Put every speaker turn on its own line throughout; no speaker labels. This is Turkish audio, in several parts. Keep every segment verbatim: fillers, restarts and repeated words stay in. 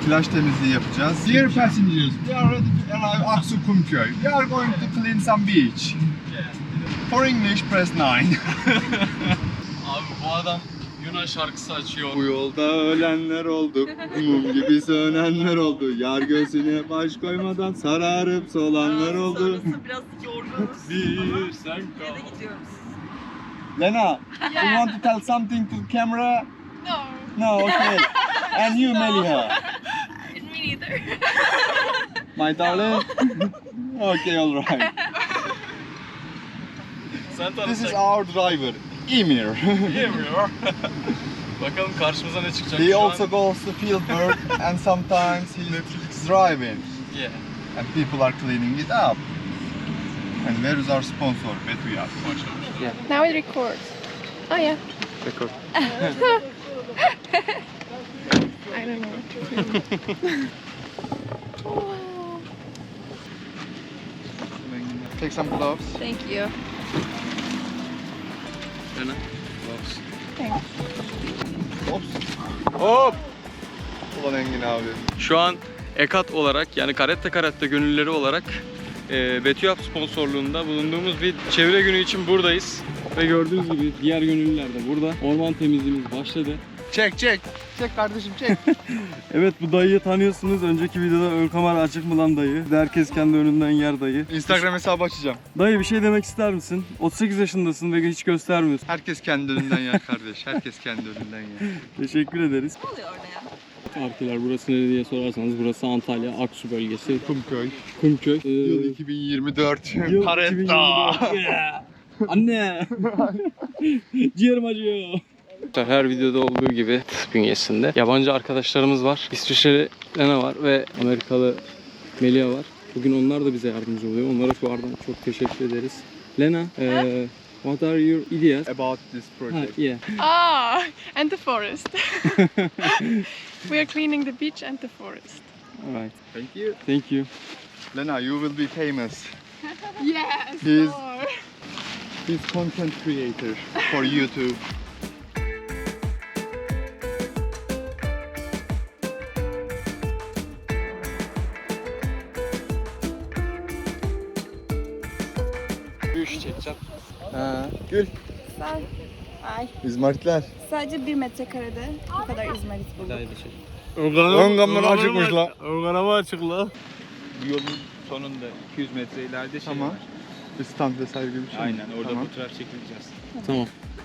plaj temizliği yapacağız. Dear passengers, we are ready to arrive Aksu Kumköy. We are going to clean some beach. For English, press nine.
Abi bu adam Yunan şarkısı açıyor.
Bu yolda ölenler oldu, mum gibi sönenler oldu. Yar gözüne baş koymadan sararıp solanlar oldu.
Biraz yorgunuz.
Bir sen kal.
Nereye gidiyoruz?
Lena, you want to tell something to the camera?
No.
No, okay. And you, Meliha?
Me neither.
My darling? Okay, alright.
Sen
This is
tanışacak.
our driver, Emir.
Yemiyor. Bakalım karşımıza ne çıkacak
He
şu
also
an.
goes to field work and sometimes he's driving.
Yeah.
And people are cleaning it up. And where is our sponsor, Betuyat?
Now it records. Oh yeah.
Record.
I don't know. Wow.
Take some gloves.
Thank you.
Lena.
Thanks.
Hops. Hop. Ulan Engin abi.
Şu an Ekat olarak yani Karette Karette gönüllüleri olarak e, Betüyap sponsorluğunda bulunduğumuz bir çevre günü için buradayız. Ve gördüğünüz gibi diğer gönüllüler de burada. Orman temizliğimiz başladı.
Çek çek. Çek kardeşim çek.
Evet, bu dayıyı tanıyorsunuz. Önceki videoda ön kamera açık mı lan dayı? Herkes kendi önünden yer dayı.
Instagram hesabı açacağım.
Dayı bir şey demek ister misin? otuz sekiz yaşındasın ve hiç göstermiyorsun.
Herkes kendi önünden yer kardeş. Herkes kendi önünden yer.
Teşekkür ederiz.
Ne oluyor orada ya?
Arkeler burası nereye diye sorarsanız burası Antalya Aksu bölgesi.
Kumköy.
Kumköy. Ee,
Yıl iki bin yirmi dört.
yıl iki bin
Karetta.
yirmi dört. Yeah. Anne. Ciğerim acıyor. Her videoda olduğu gibi bünyesinde yabancı arkadaşlarımız var. İsviçreli Lena var ve Amerikalı Melia var. Bugün onlar da bize yardımcı oluyor. Onlara şu aradan çok teşekkür ederiz. Lena, uh, what are your ideas?
About this
Ha,
project.
yeah.
Ah, and the forest. We are cleaning the beach and the forest.
Alright.
Thank you.
Thank you.
Lena, you will be famous.
Yes.
He's-
more.
He's content creator for YouTube.
Bir iş çekeceğim.
Ha, Gül.
Ay.
İzmaritler.
Sadece bir metrekarede bu kadar izmarit bulduk.
Ön kamera açıkmış la.
Ön kamera açık la.
Bu yolun sonunda iki yüz metre ileride şey
Tamam.
var.
Bir stand vesaire gibi bir şey mi?
Aynen orada
Tamam.
fotoğraf çekileceğiz.
Tamam.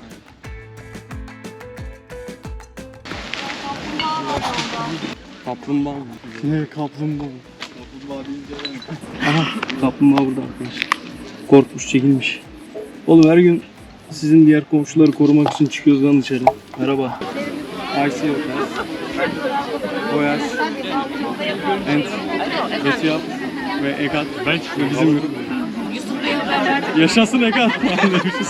Kaplumbağa mı? Ne kaplumbağa?
Kaplumbağa deyince
Aha, kaplumbağa burada arkadaşlar. Korkmuş, çekilmiş. Oğlum her gün sizin diğer komşuları korumak için çıkıyoruz lan dışarı. Merhaba. I see you guys. Boyaz. And Betüyap ve Ekat. Ve bizim grup. Yaşasın Ekat falan demişiz.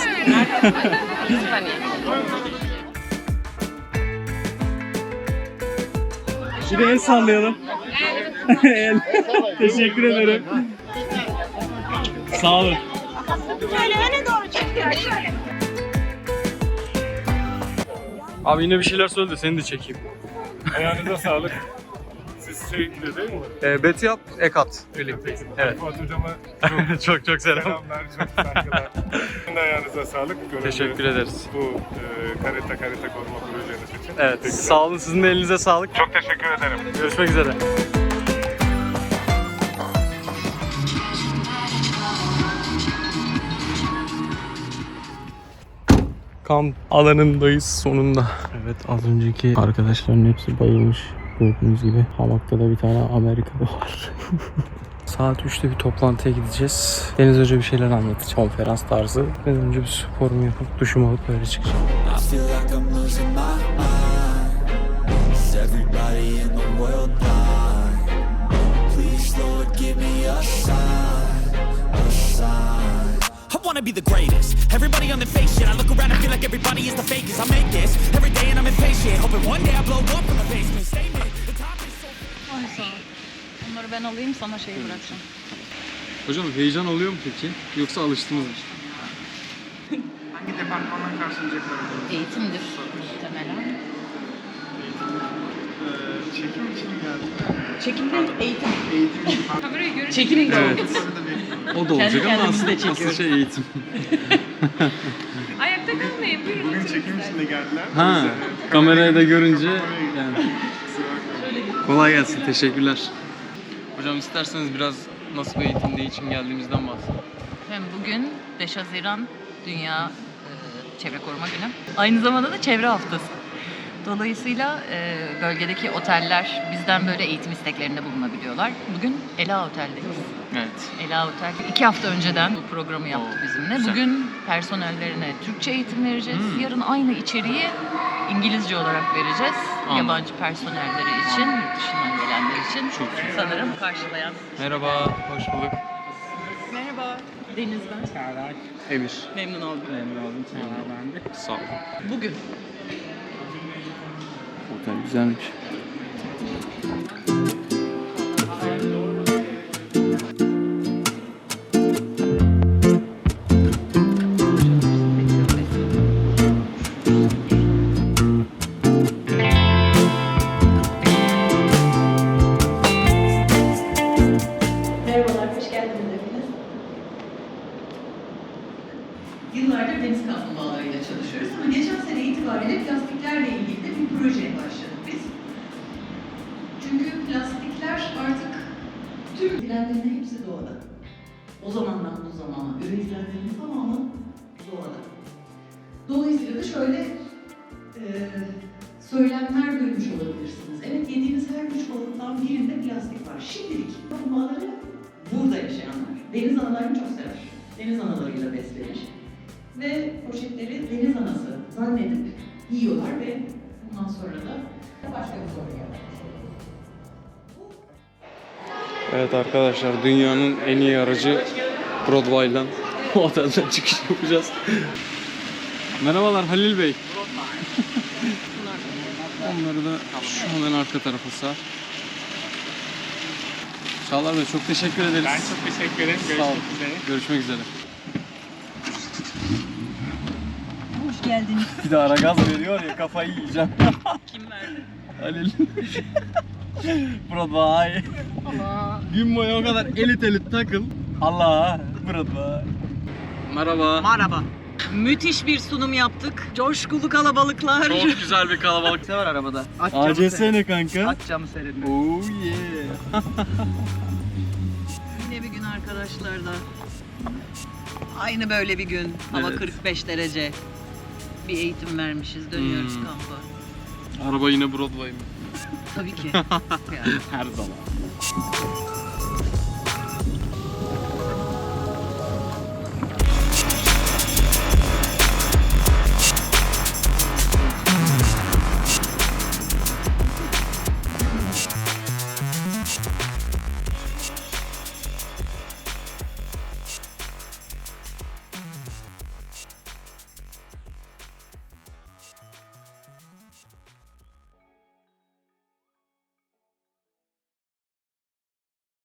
Bir de el sallayalım. El. Teşekkür ederim. Sağ olun. Abi yine bir şeyler söyle de seni de çekeyim.
Ayağınıza sağlık. Siz şeyinde değil mi?
Ee, Betüyap, Ekat birlikteyiz. Evet.
Fuat hocama çok
çok çok selam.
selamlar, çok saygılar. Sizin de ayağınıza sağlık. Gönüllü
Teşekkür ederiz.
Bu e, Karetta Karetta koruma projeniz için.
Evet,
Teşekkürler.
sağ olun, sizin de elinize sağlık.
Çok teşekkür ederim.
Görüşmek üzere. Kamp alanındayız sonunda. Evet, az önceki arkadaşların hepsi bayılmış. Gördüğünüz gibi hamakta da bir tane Amerikalı var. Saat üçte bir toplantıya gideceğiz. Deniz Hoca bir şeyler anlatacak. Konferans tarzı. Ben önce bir sporumu yapıp duşumu alıp böyle çıkacağım.
I feel like I'm losing my mind. Is everybody in the world blind? Please, Lord, give me a sign, a sign. I wanna be the greatest. Everybody on the fake shit. I look around and feel like everybody is the fakest. I make this every day and I'm impatient. Hoping one day I blow up from the basement. Statement. The top is so.
Ay sağ ol. Bunları ben alayım, sana şeyi bırakacağım.
Hocam heyecan oluyor mu peki? Yoksa alıştınız mı?
Hangi departmandan karşılayacaklar?
Eğitimdir muhtemelen.
Ee,
Çekim için geldim.
Çekim değil, eğitim.
Eğitim.
Kamerayı görünce
Çekim de
Evet.
O da olacak
Kendi
ama
kendimizi de
asıl, asıl
çekiyoruz.
şey eğitim.
Ayakta kalmayın, buyurun.
Bugün çekim için de geldiler.
Ha,
Bize-
kamerayı da görünce
Kamerayı-
yani.
Kusura bakmayın.
Kolay gelsin, teşekkürler. Hocam isterseniz biraz nasıl bir eğitim, ne için geldiğimizden bahsedin.
Efendim bugün beş Haziran Dünya e, Çevre Koruma Günü. Aynı zamanda da Çevre Haftası. Dolayısıyla e, bölgedeki oteller bizden böyle eğitim isteklerinde bulunabiliyorlar. Bugün Ela Otel'deyiz.
Evet.
Ela Otel iki hafta önceden bu programı yaptı
Oo,
bizimle.
güzel.
Bugün personellerine Türkçe eğitim vereceğiz.
Hmm.
Yarın aynı içeriği İngilizce olarak vereceğiz.
Anladım.
Yabancı personelleri için, yurt dışından gelenler için
Çok iyi.
sanırım karşılayan.
Merhaba, hoş bulduk.
Merhaba.
Deniz ben.
Emir.
Memnun oldum.
Memnun oldum. Ben de.
Sağ olun.
Bugün.
Otel güzelmiş.
Merhabalar, hoş geldiniz hepiniz. Yıllardır deniz kaplumbağalarıyla çalışıyoruz ama geçen sene itibariyle plastiklerle ilgili de bir projeye başladık biz. Çünkü plastikler artık tüm üretilenlerin hepsi doğada. O zamandan bu zamana üretilenlerin tamamı doğada. Dolayısıyla da şöyle e, söylemler duymuş olabilirsiniz. Evet, yediğiniz her üç balıktan birinde plastik var. Şimdilik kaplumbağaları burada yaşayanlar. Deniz analarını çok sever. Deniz analarıyla beslenir. Ve poşetleri deniz anası zannedip yiyorlar ve bundan sonra da başka bir soru yapmış oluyoruz.
Evet arkadaşlar, dünyanın en iyi aracı Broadway'dan otelden çıkış yapacağız. Merhabalar Halil Bey. Onları da şu hemen arka tarafa sar. Çağlar Bey çok teşekkür ederiz.
Ben çok teşekkür ederim.
Sağ olun.
Görüşmek üzere.
Görüşmek üzere.
Hoş geldiniz.
Bir de ara gaz veriyor ya, kafayı yiyeceğim.
Kim verdi?
Halil. Broadway.
Allah.
Gün boyu o kadar elit elit takıl. Allah. Broadway. Merhaba.
Merhaba. Müthiş bir sunum yaptık. Coşkulu kalabalıklar.
Çok güzel bir kalabalık.
Ne var arabada? Aç
A C S ne kanka?
Aç camı seyredin.
Oh yeah.
Yine bir gün arkadaşlar da. Aynı böyle bir gün. Hava
Evet.
kırk beş derece. Bir eğitim vermişiz. Dönüyoruz
Hmm.
kampa.
Araba yine Broadway mi?
Tabii ki. Yani.
Her zaman.